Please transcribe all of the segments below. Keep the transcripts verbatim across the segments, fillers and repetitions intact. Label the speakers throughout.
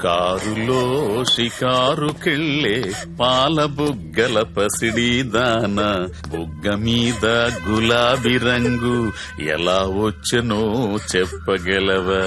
Speaker 1: కారులో షికారుకెళ్ళే పాల బుగ్గల పసిడి దాన బుగ్గ మీద గులాబీ రంగు ఎలా వచ్చనో చెప్పగలవా?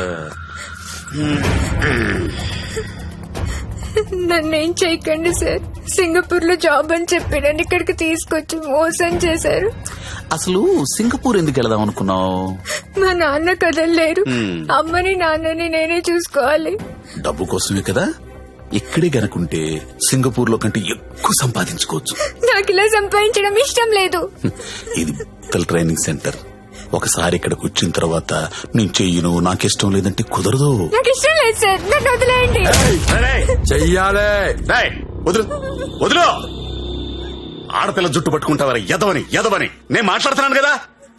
Speaker 2: నన్నేం చేయకండి సార్. సింగపూర్ లో జాబ్ అని చెప్పి నన్ను ఇక్కడికి తీసుకొచ్చి మోసం చేశారు.
Speaker 1: అసలు సింగపూర్ ఎందుకు వెళదాం అనుకున్నావు?
Speaker 2: మా నాన్న కదలలేరు. అమ్మని నాన్నని నేనే చూసుకోవాలి.
Speaker 1: డబ్బు కోసమే కదా. ఇక్కడే గనుకుంటే సింగపూర్ లో కంటే ఎక్కువ సంపాదించుకోవచ్చు.
Speaker 2: నాకు ఇలా సంపాదించడం ఇష్టం లేదు.
Speaker 1: ఇది పిల్లల ట్రైనింగ్ సెంటర్. ఒకసారి ఇక్కడికి వచ్చిన తర్వాత నేను చెయ్యను, నాకిష్టం లేదంటే కుదరదు.
Speaker 2: నాకు ఇష్టం లేదు సార్, నన్ను వదిలేయండి.
Speaker 3: చెయ్యాలే.
Speaker 1: వదులు వదులు. ఆడపిల్ల జుట్టు పట్టుకుంటావరా? ఎదవని ఎదవని నేను మాట్లాడుతున్నాను కదా.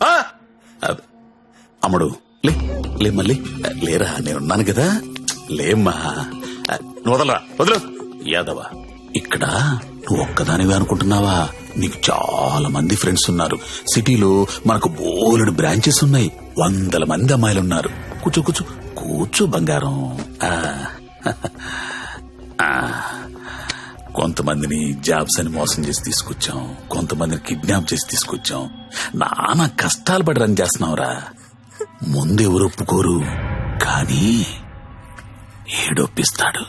Speaker 1: అమ్ముడు లే లే మళ్ళీ లేరా, నేనున్నాను కదా. లేమ్మా, వదలరా, వదులు. యాదవ, ఇక్కడ నువ్వు ఒక్కదానివే అనుకుంటున్నావా? నీకు చాలా మంది ఫ్రెండ్స్ ఉన్నారు. సిటీలో మనకు బోలెడు బ్రాంచెస్ ఉన్నాయి. వందల మంది అమ్మాయిలు ఉన్నారు. కూర్చో కూర్చో కూర్చో బంగారం. కొంతమందిని జాబ్స్ అని మోసం చేసి తీసుకొచ్చాం, కొంతమందిని కిడ్నాప్ చేసి తీసుకొచ్చాం. నానా కష్టాలు పడి రన్ చేస్తున్నావురా. ముందు ఎవరు ఒప్పుకోరు, కానీ ఏడొప్పిస్తాడు.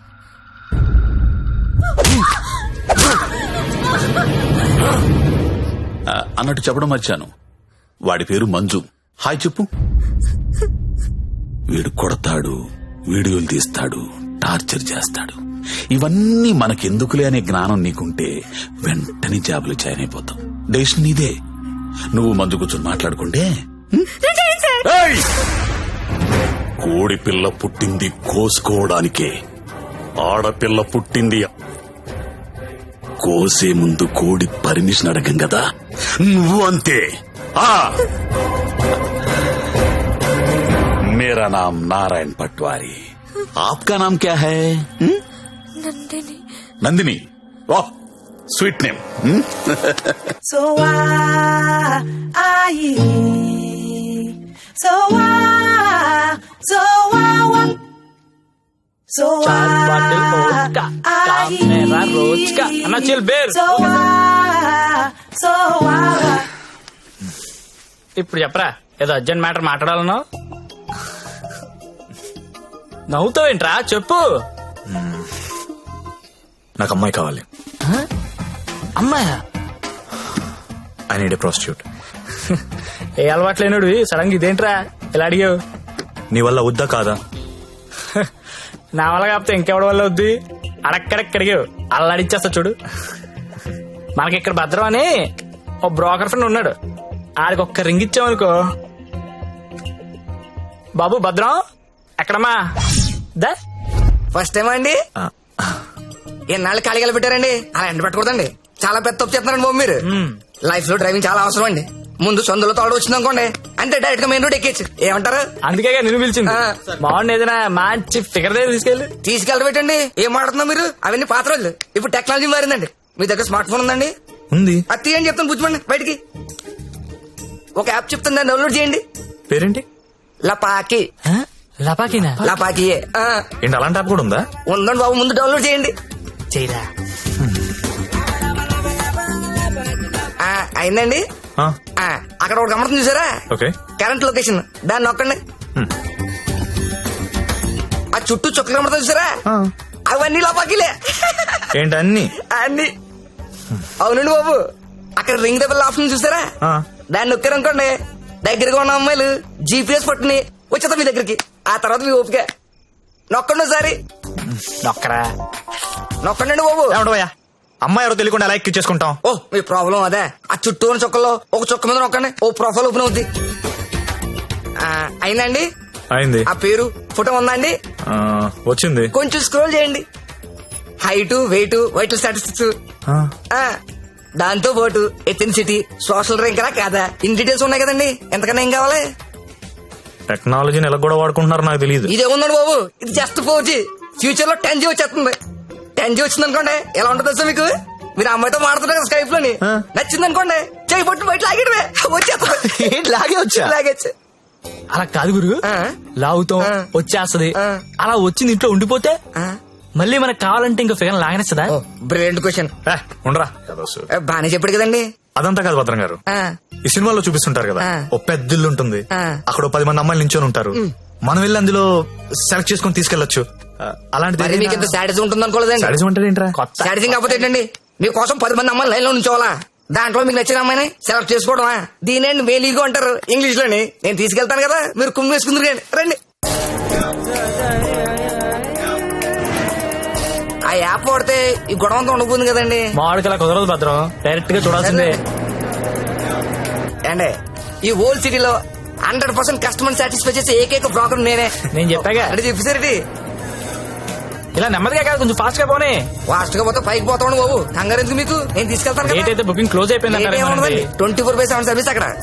Speaker 1: అన్నట్టు చెప్పడం మర్చాను, వాడి పేరు మంజు. హాయ్ చెప్పు. వీడు కొడతాడు, వీడియోలు తీస్తాడు, టార్చర్ చేస్తాడు. ఇవన్నీ మనకెందుకులే అనే జ్ఞానం నీకుంటే వెంటనే జాబులు జాయిన్ అయిపోతాం. డెసిషన్ నీదే. నువ్వు మంజు కూర్చొని మాట్లాడుకుంటే. కోడి పిల్ల పుట్టింది కోసుకోవడానికే, ఆడపిల్ల పుట్టింది కోసే ముందు కోడి పర్మిషన్ అడగం కదా. నువ్వు అంతే. ఆ मेरा नाम नारायण पटवारी, आपका नाम क्या है?
Speaker 2: నందిని.
Speaker 1: నందిని, वाह sweet name.
Speaker 4: So why, I, so why, so why, so
Speaker 5: चार बाटल वोडका, काम मेरा रोज का. अन्ना chill beer.
Speaker 4: so why, so why.
Speaker 5: ఇప్పుడు చెప్పరా, ఏదో అర్జెంట్ మ్యాటర్ మాట్లాడాలను. నవ్వుతావేంట్రా, చెప్పు.
Speaker 3: నాకు అమ్మాయి కావాలి.
Speaker 5: అమ్మాయా?
Speaker 3: I need a prostitute.
Speaker 5: ఏ అలవాట్లేనుడు సడన్ గా ఇదేంట్రా ఇలా అడిగావు?
Speaker 3: నీ వల్ల వద్దా కాదా?
Speaker 5: నా వల్ల కాకపోతే ఇంకెవడి వల్ల వద్దు. అడక్కడక్కడిగావు, అల్లాడిచ్చేస్తా చూడు. మనకి ఇక్కడ భద్రం అని ఓ బ్రోకర్ ఫ్రెండ్ ఉన్నాడు. ఆడికి ఒక్క రింగ్ ఇచ్చామనుకో. బాబు భద్రం ఎక్కడమ్మా? దా
Speaker 6: ఫస్ట్ టైం అండి. ఎన్నాళ్ళు ఖాళీగా పెట్టారండి, అలా ఎండ పెట్టకూడదండి. చాలా పెద్ద తప్పు చేస్తున్నారండి బాబు మీరు. లైఫ్ లో డ్రైవింగ్ చాలా అవసరం అండి. ముందు సొందులో తోడు వచ్చింది అనుకోండి, అంటే డైరెక్ట్ గా మెయిన్ రోడ్ ఎక్కేచ్చు. ఏమంటారు?
Speaker 5: అందుకే నిన్ను పిలిచింది. బాగుంది, ఏదైనా మంచి ఫిగర్ దగ్గర తీసుకెళ్ళి
Speaker 6: తీసుకెళ్ళి పెట్టండి. ఏం మాట్లాడుతున్నా మీరు? అవన్నీ పాత రోజులు. ఇప్పుడు టెక్నాలజీ మారిందండి. మీ దగ్గర స్మార్ట్ ఫోన్ ఉందండి?
Speaker 3: ఉంది.
Speaker 6: అది తీయండి, చెప్తాను బుజ్జిమండి. బయటికి ఒక యాప్ చెప్తాను, దాన్ని డౌన్లోడ్ చేయండి.
Speaker 3: పేరేంటి?
Speaker 6: లపాకి.
Speaker 5: లపాకినా?
Speaker 6: లపాకియే.
Speaker 3: ఏంటి అలాంటి యాప్ కూడా ఉందా?
Speaker 6: ఉందండి బాబు, ముందు డౌన్లోడ్ చేయండి.
Speaker 5: చేయరా.
Speaker 6: అయిందండి. అక్కడ ఒక గమనం చూసారా?
Speaker 3: ఓకే.
Speaker 6: కరెంట్ లొకేషన్, దాన్ని నొక్కండి. ఆ చుట్టూ చుక్కలు కమడతా చూసారా? అవన్నీ లోపాకిలే.
Speaker 3: ఏంటి అన్ని?
Speaker 6: అన్ని. అవునండి బాబు, అక్కడ రింగ్ ద బెల్ ఆప్షన్ చూసారా? దాన్ని నొక్కారనుకోండి, దగ్గరగా ఉన్న అమ్మాయిలు జీపీఎస్ పట్టుని వచ్చేద్దాం మీ దగ్గరికి. ఆ తర్వాత మీ ఓపిక. నొక్కండి ఒకసారి.
Speaker 5: నొక్కరా.
Speaker 6: నొక్కండి బాబు.
Speaker 3: ఏమంటావయ్యా, అమ్మాయి ఎవరో తెలియకుండా ఎలా ఎక్కించేసుకుంటాం?
Speaker 6: ఓ మీ ప్రాబ్లం అదే. ఆ చుట్టూ ఉన్న చుక్కల్లో ఒక చుక్క మీద నొక్కండి, ఓ ప్రొఫైల్ ఓపెన్ అవుద్ది. అయిందండి?
Speaker 3: అయింది.
Speaker 6: ఆ పేరు ఫోటో ఉందా అండి?
Speaker 3: వచ్చింది.
Speaker 6: కొంచెం స్క్రోల్ చేయండి. హైట్, వెయిట్, వైటల్ స్టాటిస్టిక్స్, దాంతో పాటు ఎథెన్సిటీ, సోషల్ ర్యాంక్ రా కాదా, ఇన్ డీటెయిల్స్ ఉన్నాయి కదండి. ఎంతకన్నా ఏం కావాలి?
Speaker 3: టెక్నాలజీని ఎలా కూడా వాడుకుంటున్నారో నాకు తెలియదు.
Speaker 6: ఇదే ఉందండి బాబు, ఇది జస్ట్ ఫోర్ జీ. ఫ్యూచర్ లో టెన్ జీ వచ్చేస్తుంది. టెన్ జీ వచ్చింది అనుకోండి, ఎలా ఉంటుంది సార్ మీకు? మీరు అమ్మాయితో మాడుతున్నారు కదా స్కైప్ లోని, నచ్చింది అనుకోండి, చేయి పట్టు బయట లాగేయడమే, వచ్చేస్తుంది.
Speaker 3: లాగే వచ్చా?
Speaker 6: లాగేచ్చు.
Speaker 5: అలా కాదు గురు,
Speaker 6: ఆ.
Speaker 5: లాగుతాం
Speaker 6: ఆ.
Speaker 5: వచ్చేస్తది,
Speaker 6: ఆ.
Speaker 5: అలా వచ్చింది ఇంట్లో ఉండిపోతే
Speaker 6: ఆ.
Speaker 5: మళ్ళీ మనకు కావాలంటే ఇంకా ఫిగర్ లాగనేస్తుందా?
Speaker 6: Oh brilliant question.
Speaker 3: ఏ, ఉండరా కదోసు.
Speaker 6: బానే చెప్పాడు కదండి.
Speaker 3: అదంతా కాదు భద్రం గారు,
Speaker 6: ఆ,
Speaker 3: ఈ సినిమాలో చూపిస్తుంటారు కదా,
Speaker 6: ఆ.
Speaker 3: ఓ పెద్ద ఇల్లు ఉంటుంది,
Speaker 6: ఆ.
Speaker 3: అక్కడ ఓ పది మంది అమ్మాయిలు నించొని ఉంటారు, మనం వెళ్ళి అందులో సెలెక్ట్ చేసుకుని తీసుకెళ్లొచ్చు. ఆ, అలాంటిది
Speaker 6: మరి మీకు ఇంత సాడిజం ఉంటుంది అనుకోలేదండి.
Speaker 3: సాడిజం అంటే ఏంట్రా?
Speaker 5: కొత్త
Speaker 6: సాడిజం కాకపోతే ఏంటండి, మీకోసం పది మంది అమ్మాయిలు లైన్ లో ఉంచోవాలా? దాంట్లో మీకు నచ్చిన అమ్మాయిని సెలెక్ట్ చేసుకోవడమా? దీనేండి మేలీగో అంటారు ఇంగ్లీష్ లోని. నేను తీసుకెళ్తాను కదా, మీరు కుమ్మి వేసుకుందరు కానీ రండి. ఆ యాప్ వాడితే ఈ గొడవ అంతా ఉండబోతుంది కదండి.
Speaker 5: మామిడికి అలా కుదరదు భద్రం, డైరెక్ట్ గా చూడాల్సిందే.
Speaker 6: అండి ఈ ఓల్డ్ సిటీలో హండ్రెడ్ పర్సెంట్ కస్టమర్ సాటిస్ఫై చేసే ఏకైక బ్రోకర్ నేనే.
Speaker 5: నేను చెప్పాగా
Speaker 6: అంటే చెప్పేసరికి
Speaker 5: ఇలా నెమ్మదిగా కాదు, కొంచెం ఫాస్ట్ గా పోనీ.
Speaker 6: ఫాస్ట్ గా పోతే పైకి పోతాను బాబు, కంగారు ఎందుకు మీకు? నేను తీసుకెళ్తాను
Speaker 5: డేట్
Speaker 6: కదా.
Speaker 5: అయితే బుకింగ్ క్లోజ్ అయిపోయింది.
Speaker 6: Twenty four by seven service అక్కడ.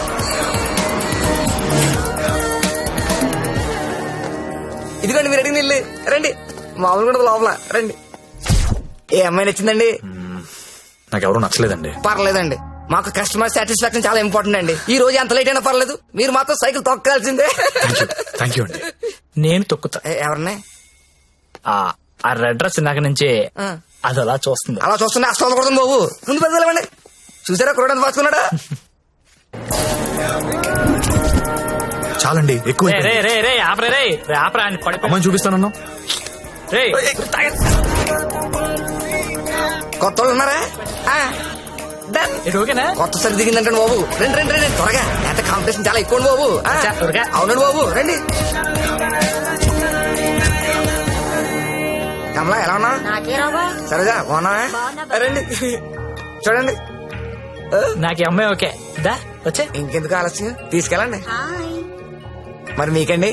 Speaker 6: ఇదిగోండి మీరు అడిగిన ఇల్లు, రండి. మామూలు కూడా లోపల రండి. ఏ అమ్మాయి నచ్చిందండి?
Speaker 3: నాకెవరూ నచ్చలేదండి.
Speaker 6: పర్లేదండి, మాకు కస్టమర్ సాటిస్ఫాక్షన్ చాలా ఇంపార్టెంట్ అండి. ఈ రోజు ఎంత లేట్ అయినా పర్లేదు, మీరు మాత్రం సైకిల్ తొక్కాల్సిందే.
Speaker 3: థ్యాంక్ యూ అండి.
Speaker 5: నేను తొక్కుతా.
Speaker 6: ఏ, ఎవరిని?
Speaker 5: ఆ ఆ రెడ్ డ్రెస్ ఇందాక నుంచి
Speaker 6: ఆ.
Speaker 5: అది అలా చూస్తుంది.
Speaker 6: అలా చూస్తున్నా అస్తం కొడుతుంది బాబు. ముందు పెద్దలేమండి. చూసారా కురడానికి పాసుకున్నాడా?
Speaker 3: చాలండి, ఎక్కువ
Speaker 5: రే రే రే రే ఆపరే రే రే ఆపరా అని పడిపో.
Speaker 3: అమ్మాయిని చూపిస్తానన్నా.
Speaker 5: రే
Speaker 6: కొత్త వాళ్ళు ఉన్నారా? ఆ, done.
Speaker 5: ఇది ఓకేనా?
Speaker 6: కొత్త సరి దిగిందంటే బాబు, రండి రండి రండి త్వరగా. ఎంత కాంపిటీషన్ చాలా ఎక్కువ బాబు. ఆ,
Speaker 5: అచ్చా, త్వరగా.
Speaker 6: అవునండి బాబు, రండి. కమలా ఎలా ఉన్నా? సరేగా బాగున్నావా? రండి చూడండి.
Speaker 5: నాకు ఈ అమ్మాయి ఓకే. దా వచ్చే.
Speaker 6: ఇంకెందుకు ఆలస్యం, తీసుకెళ్ళండి. మరి మీకండి?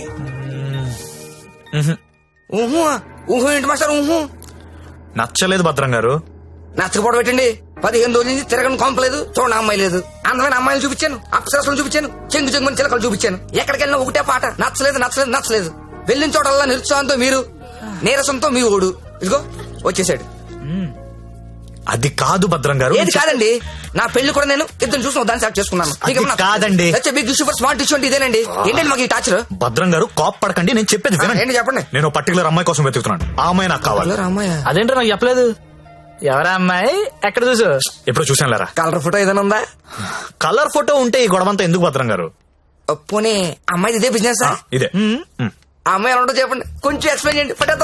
Speaker 6: ఊహు ఊహు ఏంటి మాస్టర్? ఊహు
Speaker 3: నచ్చలేదు భద్రం గారు.
Speaker 6: నచ్చకపోవడం పెట్టండి. పదిహేను రోజుల నుంచి తిరగని కొంపలేదు, చూడండి అమ్మాయి లేదు. అందమైన అమ్మాయిలు చూపించాను, అప్సరసలు చూపించాను, చెంగు చెంగుని చిలకలు చూపించాను. ఎక్కడికి వెళ్ళినా ఒకటే పాట, నచ్చలేదు నచ్చలేదు నచ్చలేదు. వెళ్ళిన చోటల్లా నిరుత్సాహంతో మీరు, నీరసంతో మీ ఓడు. ఇదిగో వచ్చేసాడు.
Speaker 3: అది కాదు భద్రం గారు.
Speaker 6: ఏది కాదండి, నా పెళ్లి కూడా నేను ఇద్దరు చూసిన దాన్ని సెలెక్ట్ చేసుకున్నాను.
Speaker 3: అది కాదండి.
Speaker 6: Big issue for smart issue అంటే ఇదేనండి. ఏంటండి మాకు ఈ టాచర్?
Speaker 3: భద్రం గారు కాప్ పడకండి, నేను చెప్పేది వినండి.
Speaker 6: ఏంటి చెప్పండి.
Speaker 3: నేను పర్టికులర్ అమ్మాయి కోసం వెతుకుతున్నాను, ఆ అమ్మాయి నాకు కావాలి.
Speaker 6: రామయ్య
Speaker 5: అదేంటో నాకు చెప్పలేదు. ఎవరా అమ్మాయి? ఎక్కడ చూసు?
Speaker 3: ఎప్పుడు చూసాను లేరా.
Speaker 6: కలర్ ఫోటో ఏదైనా ఉందా?
Speaker 3: కలర్ ఫోటో ఉంటే ఈ గొడవంతా ఎందుకు భద్రం గారు?
Speaker 6: పోనీ అమ్మాయి ఇదే బిజినెస్?
Speaker 3: ఇదే. మ్.
Speaker 6: ఆ అమ్మాయి ఎలా ఉంటో చెప్పండి, కొంచెం ఎక్స్ప్లెయిన్ చేయండి ఫోటోతో.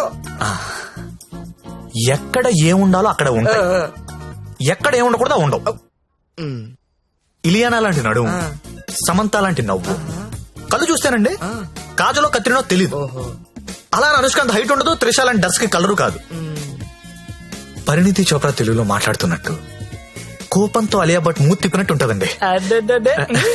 Speaker 3: ఎక్కడ ఏముండాలో అక్కడ ఉంటాయి, ఎక్కడ ఏముండకూడదు ఉండవు. ఇలియానా లాంటి నడుము, సమంత లాంటి నవ్వు, కళ్ళు చూస్తానండి కాజలో కత్తిరినో తెలీదు. అలా అనుష్కాంత్ హైట్ ఉండదు, త్రిష లాంటి డర్స్ కి కలరు కాదు. పరిణితి చోప్రా తెలుగులో మాట్లాడుతున్నట్టు కోపంతో అలియా భట్ మూతి తిప్పినట్టు ఉంటదండి.
Speaker 5: అడ్డడ్డడ్డే.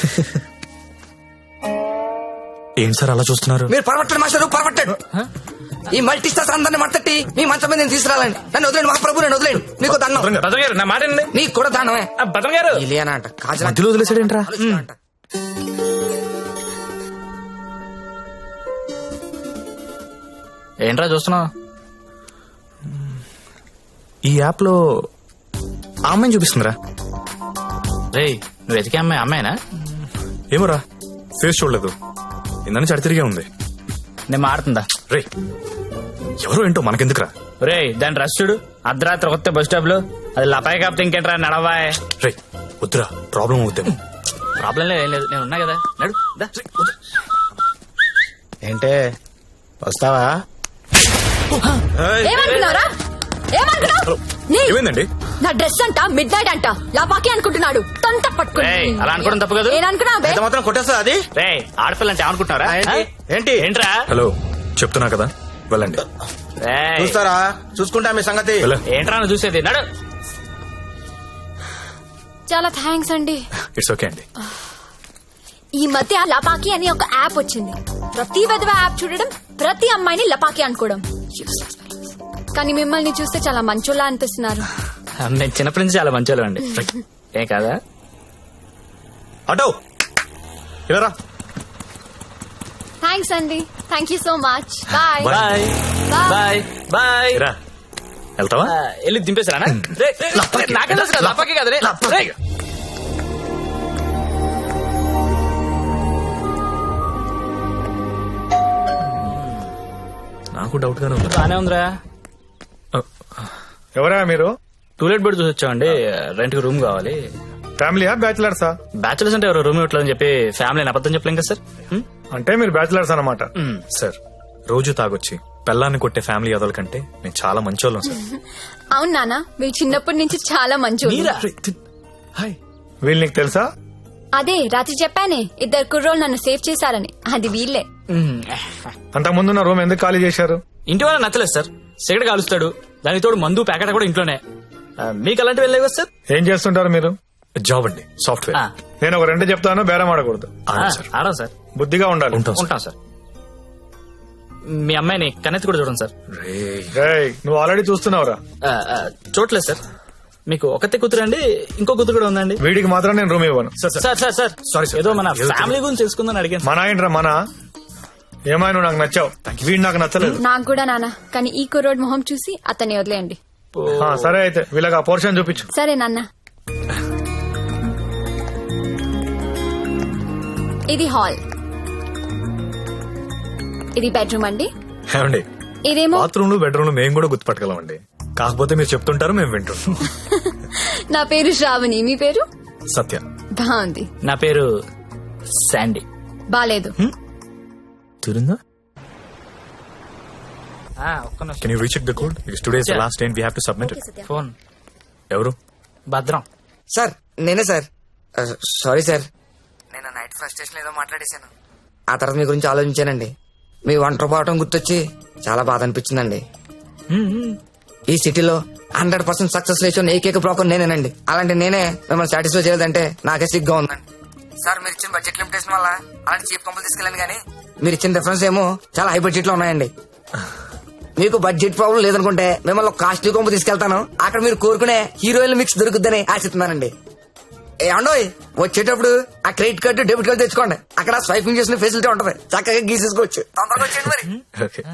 Speaker 3: ఏం సార్ అలా చూస్తున్నారు?
Speaker 6: మీరు పరమట్టండి మాస్టర్, పరమట్టండి. ఈ మల్టీ స్టార్స్ అందరిని మట్టట్టి మీ మంచం మీద నేను తీసుకురాలండి. నన్ను వదిలేండి మహాప్రభు, నన్ను వదిలేండి. మీకు దండం.
Speaker 5: భద్రం గారు నా మాట వినండి.
Speaker 6: నీకు కూడా దండమే.
Speaker 5: ఆ, భద్రం గారు.
Speaker 6: ఇలియానా అంట, కాజల్
Speaker 3: మధ్యలో వదిలేసాడేంట్రా?
Speaker 6: అంట.
Speaker 5: ఏంట్రా చూస్తున్నావు?
Speaker 3: ఈ యాప్ లో ఆ అమ్మాయిని చూపిస్తుందిరా.
Speaker 5: రే నువ్వు వెతికే అమ్మాయి అమ్మాయినా?
Speaker 3: ఏమోరా, ఫేస్ చూడలేదు, ఇందని చడి తిరిగే ఉంది.
Speaker 5: నేను మాడుతుందా?
Speaker 3: రే ఎవరో ఏంటో మనకెందుకురా.
Speaker 5: రే దాని రష్ చూడు, అర్ధరాత్రి కొత్త బస్ స్టాప్ లో. అది లపాయి కాపుతే ఇంకేంట్రా నడవాయ్.
Speaker 3: రే వద్దురా, ప్రాబ్లం అవుద్దేమో.
Speaker 5: ప్రాబ్లం లేదు, ఏం లేదు, నేను ఉన్నా కదా. నడు దా.
Speaker 7: ఏంటే వస్తావా?
Speaker 2: ఏమనుకున్నారా? ఏమనుకున్నావు? నీ-
Speaker 3: ఏమైందండి?
Speaker 2: నా డ్రెస్ అంట మిడ్ నైట్ అంట లపాకి అనుకుంటున్నాడు. తొంత పట్టుకుని
Speaker 5: రేయ్, అలా అనుకోవడం తప్పు కాదు.
Speaker 2: నేననుకున్నా
Speaker 7: ఎంత మాత్రం కొట్టేస్తా అది?
Speaker 5: రే ఆడపిల్ల అంటే అనుకుంటున్నారా?
Speaker 7: ఆ, ఏంటి? ఏంటి?
Speaker 5: ఏంట్రా?
Speaker 3: హలో చెప్తున్నా కదా, వెళ్ళండి.
Speaker 5: రేయ్,
Speaker 7: చూస్తారా? చూసుకుంటా మీ సంగతి.
Speaker 3: వెళ్ళ.
Speaker 5: ఏంట్రా నువ్వు చూసేది? నడు.
Speaker 2: చాలా థ్యాంక్స్ అండి.
Speaker 3: ఇట్స్ ఓకే అండి.
Speaker 2: ఈ మధ్య లపాకి అని ఒక యాప్ వచ్చింది. ప్రతి విధవ యాప్ చూడడం, ప్రతి అమ్మాయిని లపాకి అనుకోవడం. కానీ మిమ్మల్ని చూస్తే చాలా మంచోళ్ళ అనిపిస్తున్నారు.
Speaker 5: నేను చిన్నప్పటి నుంచి చాలా మంచోళ్ళు అండి. ఏ కాదా?
Speaker 3: అటో ఇలా
Speaker 2: థ్యాంక్స్ అండి. Thank you so much. Bye
Speaker 5: bye bye bye.
Speaker 3: రా, వెళ్తావా?
Speaker 5: ఆ, వెళ్ళి దింపేసారా?
Speaker 3: లపాకి.
Speaker 5: నాకేం తెలుసు కదా, లపాకి కదా. రే,
Speaker 3: లపాకి.
Speaker 5: రే.
Speaker 3: నాకు డౌట్ గానే ఉంది.
Speaker 5: బానే ఉందిరా.
Speaker 8: ఎవరా మీరు?
Speaker 5: టూలెట్ బెడ్ చూసి వచ్చామండి. రెంట్ కి రూమ్ కావాలి.
Speaker 8: ఫ్యామిలీయా బ్యాచిలర్సా?
Speaker 5: బ్యాచులర్స్ అంటే ఎవరు రూమ్ ఇవ్వట్లేదని చెప్పి ఫ్యామిలీ అబద్ధం చెప్పలేం కదా సార్. హ్మ్?
Speaker 8: అంటే మీరు బ్యాచిలర్స్ అన్నమాట.
Speaker 5: హ్మ్.
Speaker 3: సార్ రోజు తాగొచ్చి పెళ్ళాన్ని కొట్టే ఫ్యామిలీ అదల కంటే నేను చాలా మంచోళ్ళం సార్.
Speaker 2: అవును నాన్న, మీరు చిన్నప్పటి నుంచి చాలా మంచి
Speaker 5: మీరా?
Speaker 3: హాయ్.
Speaker 8: వీళ్ళు నీకు తెలుసా?
Speaker 2: అదే రాత్రి చెప్పానే, ఇద్దరు కుర్రోళ్ళు నన్ను సేవ్ చేశారని. అది వీళ్ళే.
Speaker 5: హ్మ్.
Speaker 8: అంతకు ముందున్న రూమ్ ఎందుకు ఖాళీ చేశారు?
Speaker 5: ఇంటి వాళ్ళ నచ్చలేదు సార్. సిగరెట్ కాలుస్తాడు, దానికి తోడు మందు ప్యాకెట్ కూడా ఇంట్లోనే. ఆ, మీకు అలాంటివి వెళ్ళలేవు కదా సార్.
Speaker 8: ఏం చేస్తుంటారు మీరు?
Speaker 3: జాబ్ అండి, సాఫ్ట్వేర్.
Speaker 5: ఆ,
Speaker 8: నేను ఒక రెండు చెప్తాను, బేరం ఆడకూడదు.
Speaker 5: ఆ,
Speaker 3: అవును సార్.
Speaker 5: ఆడం సార్.
Speaker 8: బుద్ధిగా ఉండాలి.
Speaker 3: ఉంటాం సార్.
Speaker 5: ఉంటాం సార్. మీ అమ్మాయిని కన్నెత్తి కూడా చూడండి సార్.
Speaker 3: రేయ్.
Speaker 8: రేయ్, నువ్వు ఆల్రెడీ చూస్తున్నావురా.
Speaker 5: ఆ, ఆ, చూడలేదు సార్. మీకు ఒకతే కూతురు అండి, ఇంకో కూతురు కూడా ఉందండి.
Speaker 8: వీడికి మాత్రం నేను రూమ్ ఇవ్వను.
Speaker 3: Sir sir
Speaker 5: sir sir sir
Speaker 3: Sorry, sir.
Speaker 5: ఏదో మన
Speaker 3: ఏదో
Speaker 5: ఫ్యామిలీ గురించి తెలుసుకుందని అడిగాను.
Speaker 8: మన ఏంట్రా మన? ఏమైనా నువ్వు నాకు నచ్చావు, వీడు నాకు నచ్చలేదు.
Speaker 2: నాకు కూడా నాన్న, కానీ ఈ కుర్రోడ్ మొహం చూసి అతన్ని వదిలేయండి.
Speaker 8: ఆ, సరే అయితే వీళ్ళకి ఆ పోర్షన్ చూపించు.
Speaker 2: సరే నాన్న. ఇది హాల్, ఇది బెడ్రూమ్ అండి.
Speaker 3: ఏమండి,
Speaker 2: ఇదేమో
Speaker 3: బాత్రూమ్ లో బెడ్రూమ్ లో మేము కూడా గుర్తుపట్టగలమండి. కాకపోతే మీరు చెప్తుంటారు, మేము వింటుంటాం.
Speaker 2: నా పేరు శ్రావణి, మీ పేరు?
Speaker 3: సత్య.
Speaker 2: బాగుంది.
Speaker 5: నా పేరు శాండీ.
Speaker 2: బాలేదు.
Speaker 3: తిరుందా?
Speaker 5: ఆ, ఒక్క నిమిషం.
Speaker 3: Can you recheck the code? It's today's the
Speaker 5: Yeah.
Speaker 3: Last day we have to submit it.
Speaker 5: Phone
Speaker 3: ఎవరు?
Speaker 5: భద్రం.
Speaker 6: సార్ నేనే సార్. సారీ సార్, నేను నైట్ ఫస్ట్ స్టేషన్ ఏదో మాట్లాడేశాను. ఆ తర్వాత మీ గురించి ఆలోచించానండి. మీ ఒంటరి పోవటం గుర్తొచ్చి చాలా బాధ అనిపించిందండి. ఈ సిటీలో హండ్రెడ్ పర్సెంట్ సక్సెస్ లేచిన ఏకైక బ్రోకర్ నేనేనండి. అలాంటి నేనే మిమ్మల్ని సాటిస్ఫై చేయలేదంటే నాకే సిగ్గా ఉందండి. సార్ మీరు ఇచ్చిన బడ్జెట్ లిమిటేషన్ వల్ల అలాంటి చీప్ కంపెనీ తీసుకెళ్ళాను, కానీ మీరు ఇచ్చిన రిఫరెన్స్ ఏమో చాలా హై బడ్జెట్ లో ఉన్నాయండి. మీకు బడ్జెట్ ప్రాబ్లం లేదనుకుంటే మిమ్మల్ని ఒక కాస్ట్లీ కొంపు తీసుకెళ్తాను. అక్కడ మీరు కోరుకునే హీరోయిన్ మిక్స్ దొరుకుద్దని ఆశిస్తున్నానండి. ఏమండోయ్, వచ్చేటప్పుడు ఆ క్రెడిట్ కార్డు డెబిట్ కార్డు తెచ్చుకోండి. అక్కడ స్వైపింగ్ చేసిన ఫెసిలిటీ ఉంటది, చక్కగా గీసేసుకోవచ్చు. తొందరగా వచ్చేయండి మరి.
Speaker 3: ఓకే.